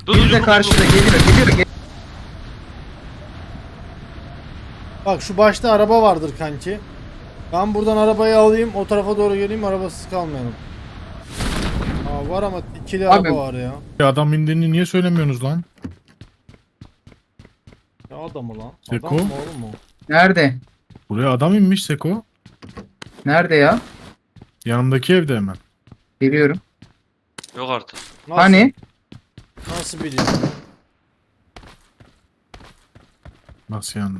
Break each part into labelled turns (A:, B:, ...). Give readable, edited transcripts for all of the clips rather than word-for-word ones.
A: Bir de karşıda geliyor.
B: Bak şu başta araba vardır kanki. Ben buradan arabayı alayım, o tarafa doğru geleyim, arabasız kalmayalım. Aa, var ama ikili
A: Abi.
B: araba var ya.
C: Adam indiğini niye söylemiyorsunuz lan?
B: Ne adamı lan?
C: Seko?
B: Adam mı oğlum o?
A: Nerede?
C: Buraya adam inmiş Seko.
A: Nerede ya?
C: Yanımdaki evde hemen.
A: Geliyorum.
D: Yok artık.
B: Nasıl?
A: Hani?
B: Nasıl biliyorsun?
C: Nasıl yani?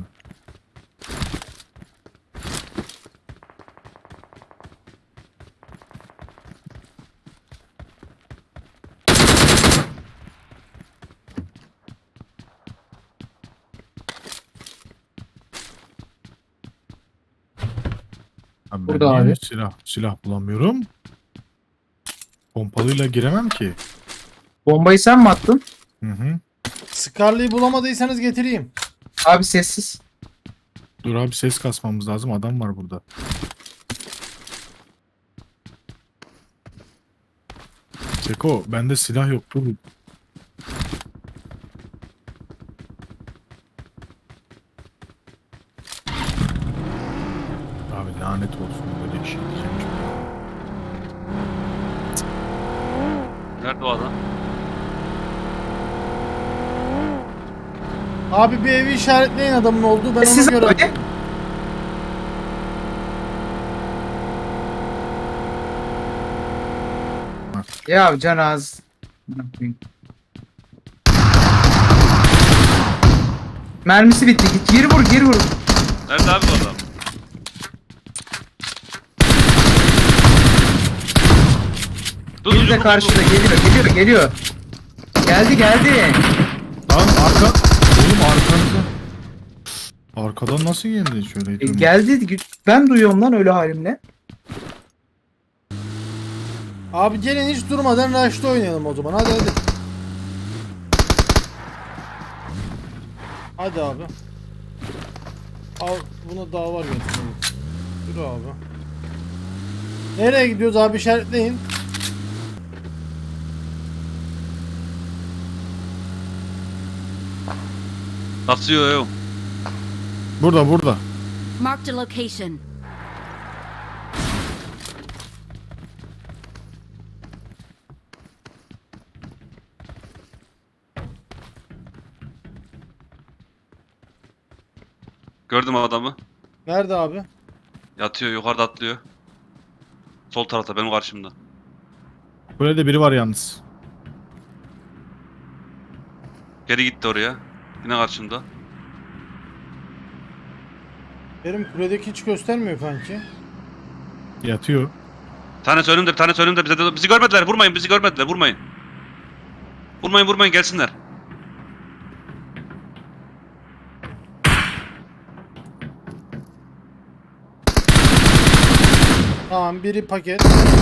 C: Abi ben
A: Burada
C: niye
A: abi.
C: silah bulamıyorum? Pompalıyla giremem ki.
A: Bombayı sen mi attın?
C: Hı hı.
B: Scarlet'i bulamadıysanız getireyim.
A: Abi sessiz.
C: Dur abi ses kasmamız lazım. Adam var burada. Seko bende silah yok. Dur. Abi lanet olsun böyle bir şey diyeceğim şimdi.
D: Nerede o adam?
B: Abi bir evi işaretleyin adamın olduğu, ben
A: Sessiz
B: ona göre...
A: abi. Ya can az. Mermisi bitti. Git geri vur.
D: Nerede abi bu adam?
A: Bir de karşıda geliyor. Geldi.
C: Lan oğlum arkanızda. Arkadan nasıl geldi şöyle?
A: Geldi. Ben duyuyorum lan öyle halimle.
B: Abi gelin hiç durmadan rush'ta oynayalım o zaman, hadi. Hadi abi. Al, buna daha var götürelim. Yürü abi. Nereye gidiyoruz abi, işaretleyin.
D: Basıyor yok.
C: Burada.
E: Marked a location.
D: Gördüm adamı.
B: Nerede abi?
D: Yatıyor yukarıda atlıyor. Sol tarafta benim karşımda.
C: Böyle biri var yalnız.
D: Geri gitti oraya. Yine karşımda.
B: Benim kuledeki hiç göstermiyor kanki.
C: Yatıyor.
D: Tanesi önümde. Bizi görmediler. Vurmayın bizi görmediler. Vurmayın. Vurmayın gelsinler.
B: Tamam, biri paket.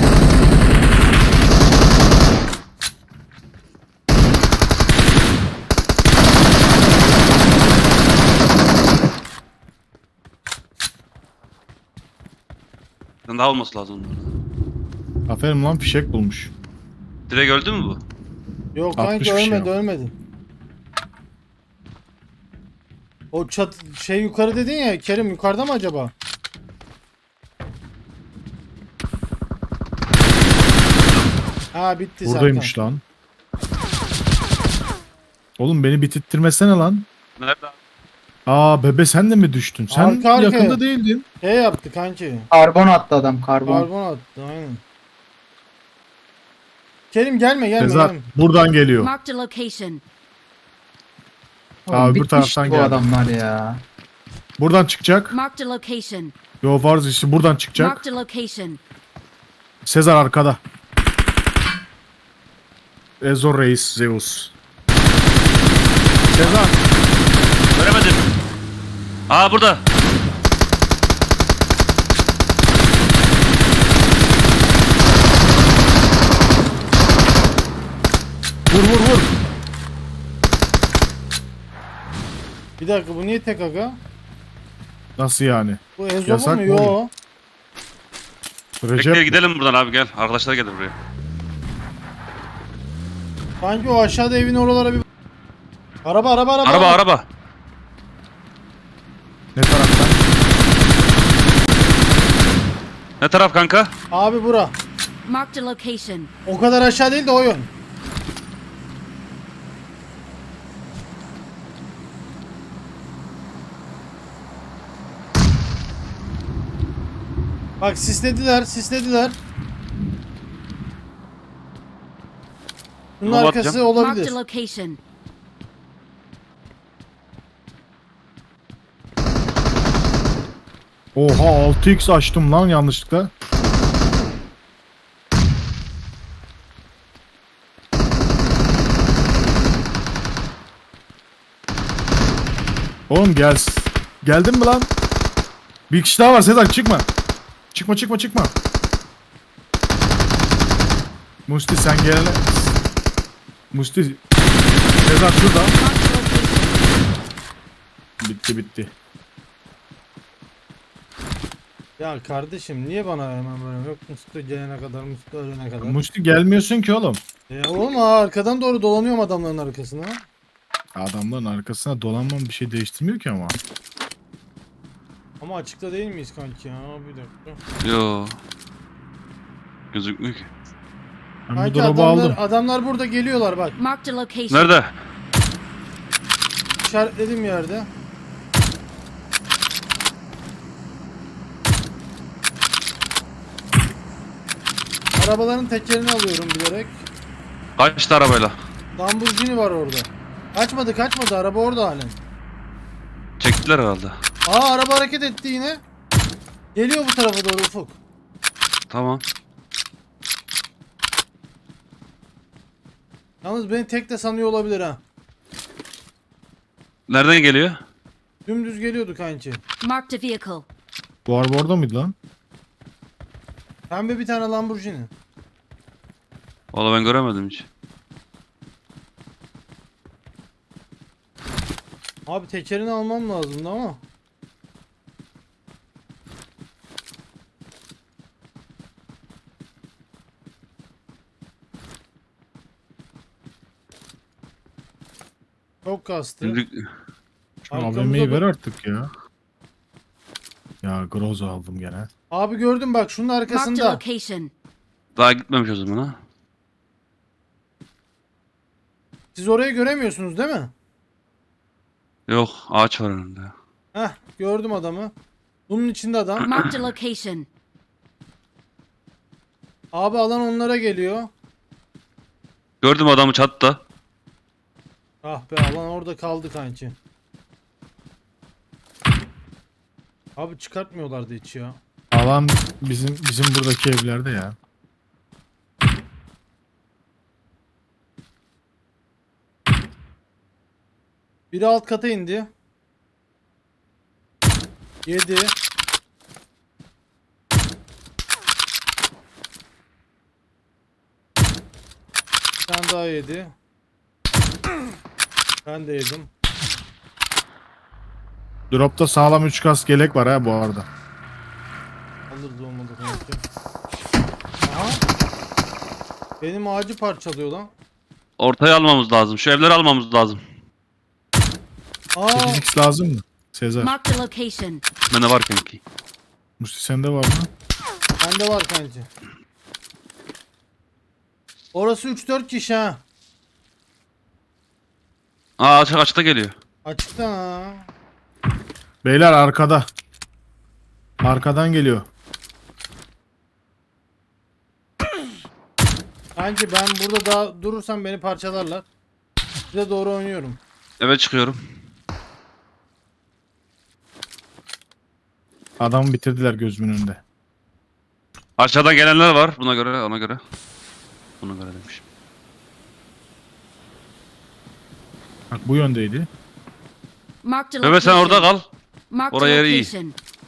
D: Daha olması lazım.
C: Aferin lan fişek bulmuş.
D: Direkt öldü mü bu?
B: Yok
C: 60
B: kanki,
C: bir şey
B: ölmedi. O şey yukarı dedin ya Kerim, yukarıda mı acaba? Ha bitti zaten.
C: Buradaymış lan. Oğlum beni bitirttirmesene lan.
D: Nerede abi?
C: Aa bebe sen de mi düştün? Sen
B: Arka arkaya.
C: yakında değildin.
B: Şey yaptı kanki.
A: Karbon attı adam karbon.
B: Karbon attı aynen. Kerim gelme.
C: Sezar buradan geliyor.
E: Marked a location.
A: Oğlum,
C: Abi, öbür
A: bitmişti
C: taraftan
A: bu
C: geldi.
A: adamlar ya.
C: Buradan çıkacak.
E: Marked a location.
C: Yo farz işte buradan çıkacak.
E: Marked a location.
C: Sezar arkada. Ezor Reis Zeus. Sezar.
D: Göremedim. Aa burada.
C: Vur.
B: Bir dakika, bu niye tek aga?
C: Nasıl yani?
B: Bu Ezobu
C: Yasak
B: mu?
C: mı
B: Yo.
C: oğlum?
D: Bekle
C: Recep
D: gidelim buradan abi gel. Arkadaşlar gelir buraya.
B: Sanki o aşağıda evin oralara bir... Araba.
D: Araba.
C: Ne taraftan?
D: Ne taraf kanka?
B: Abi bura.
E: Marked a location.
B: O kadar aşağı değil de o yön. Bak sislediler. Bunun
D: Ama
B: arkası
D: bakacağım.
B: olabilir.
E: Marked a location.
C: Oha 6x açtım lan yanlışlıkla. Oğlum gel. Geldin mi lan? Bir kişi daha var Sezer çıkma. Çıkma. Musti sen gelene. Musti. Sezer şurada.
E: Marked a location.
C: Bitti.
B: Ya kardeşim niye bana hemen böyle yok Mustafa gelene kadar Mustafa ölene kadar.
C: Musti gelmiyorsun ki oğlum.
B: Ya oğlum arkadan doğru dolanıyorum adamların arkasına.
C: Adamların arkasına dolanmam bir şey değiştirmiyor ki ama.
B: Ama açıkta değil miyiz kanki ya? Bir dakika.
D: Yo. Gözükmüyor ki.
C: Ben bu
B: Kanki
C: drop'u aldım.
B: adamlar burada geliyorlar bak.
E: Marked a location.
D: Nerede?
B: İşaretledim yerde. Arabaların tekerini alıyorum bilerek.
D: Kaçtı arabayla.
B: Lamborghini var orada. Kaçmadı. Araba orada halen.
D: Çektiler herhalde.
B: Araba hareket etti yine. Geliyor bu tarafa doğru Ufuk.
D: Tamam.
B: Yalnız beni tek de sanıyor olabilir ha.
D: Nereden geliyor?
B: Dümdüz geliyordu kanki.
E: Marked a vehicle.
C: Bu araba orada mıydı lan?
B: Pembe bir tane Lamborghini.
D: Valla ben göremedim hiç.
B: Abi tekerini almam lazımdı ama. Çok kastı.
D: Şimdi
C: Şu
B: Arkamızda
C: AVM'yi ver
B: bak-
C: artık ya. Ya Groza aldım gene.
B: Abi gördüm bak şunun
E: Marked a
B: arkasında.
E: location.
D: daha gitmemiş o zaman ha.
B: Siz orayı göremiyorsunuz değil mi?
D: Yok ağaç var önünde.
B: Heh gördüm adamı. Bunun içinde adam.
E: Marked a location.
B: Abi alan onlara geliyor.
D: Gördüm adamı çatıda.
B: Ah be alan orada kaldı kanki. Abi çıkartmıyorlardı hiç ya.
C: Alan bizim buradaki evlerde ya.
B: Biri alt kata indi. 7. Bir tane daha yedi. Ben de yedim.
C: Drop'ta sağlam 3 kas gelek var ha bu arada.
B: Alırız olmadı kanki. Aha. Benim ağacı parçalıyor lan.
D: Ortaya almamız lazım. Şu evleri almamız lazım.
C: 8x lazım mı? Sezer.
E: Marked a location.
D: Bende var kanki.
C: Musti sende var mı?
B: Bende var kanki. Orası 3-4 kişi ha.
D: Açıkta geliyor.
B: Açıkta ha.
C: Beyler arkada. Arkadan geliyor.
B: Kanki ben burada daha durursam beni parçalarlar. Size doğru oynuyorum.
D: Eve çıkıyorum.
C: Adamı bitirdiler gözümün önünde.
D: Aşağıdan gelenler var. Buna göre ona göre. Buna göre demişim.
C: Bak bu yöndeydi.
E: Marked a
D: Bebe sen orada
E: location.
D: kal.
E: Marked a
D: Oraya iyi.
E: location.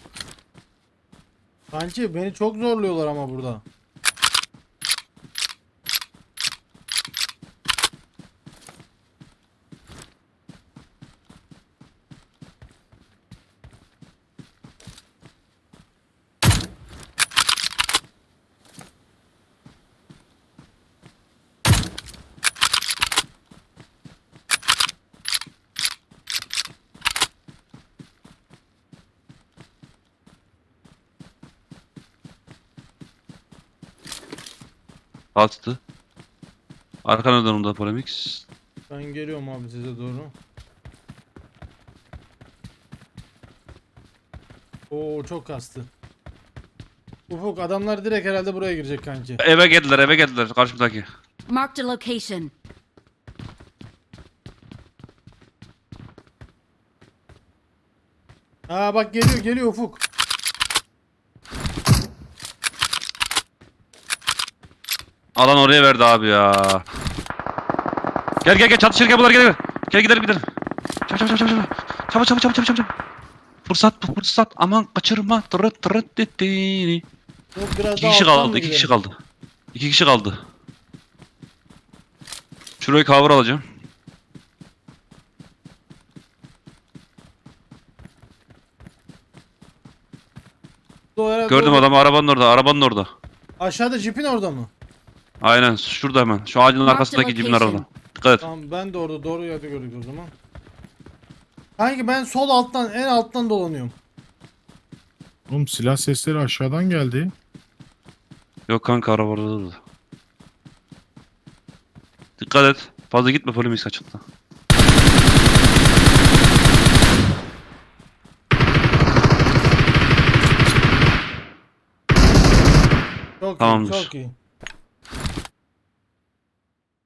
B: Kanki beni çok zorluyorlar ama burada.
D: Bastı. Arkana dön onda Polemix.
B: Ben geliyorum abi size doğru. Oo çok kastı. Ufuk adamlar direkt herhalde buraya girecek kanki.
D: Eve geldiler karşımdaki.
E: Marked a location.
B: Aa bak geliyor Ufuk.
D: Alan oraya verdi abi ya. Gel çatışırken bunlar gel. Gel gidelim. Çabuk. Fırsat. Aman kaçırma. Tırıt dettiğini.
B: Yok biraz
D: İki
B: daha
D: kişi
B: alttan
D: kaldı.
B: mı
D: İki kişi
B: gidelim?
D: kaldı. 2 kişi kaldı. Şurayı cover alacağım.
B: O herhalde
D: Gördüm
B: orada.
D: adamı arabanın orada.
B: Aşağıda jipin orada mı?
D: Aynen şurada hemen. Şu ağacın
E: Marked
D: arkasındaki cibin
E: location.
D: arada. Dikkat et.
B: Tamam ben de orada doğru yerde gördük o zaman. Kanki ben sol alttan en alttan dolanıyorum.
C: Oğlum silah sesleri aşağıdan geldi.
D: Yok kanka araba orada durdu. Dikkat et. Fazla gitme Polemix açıkta.
B: Çok
D: Tamamdır.
B: iyi çok iyi.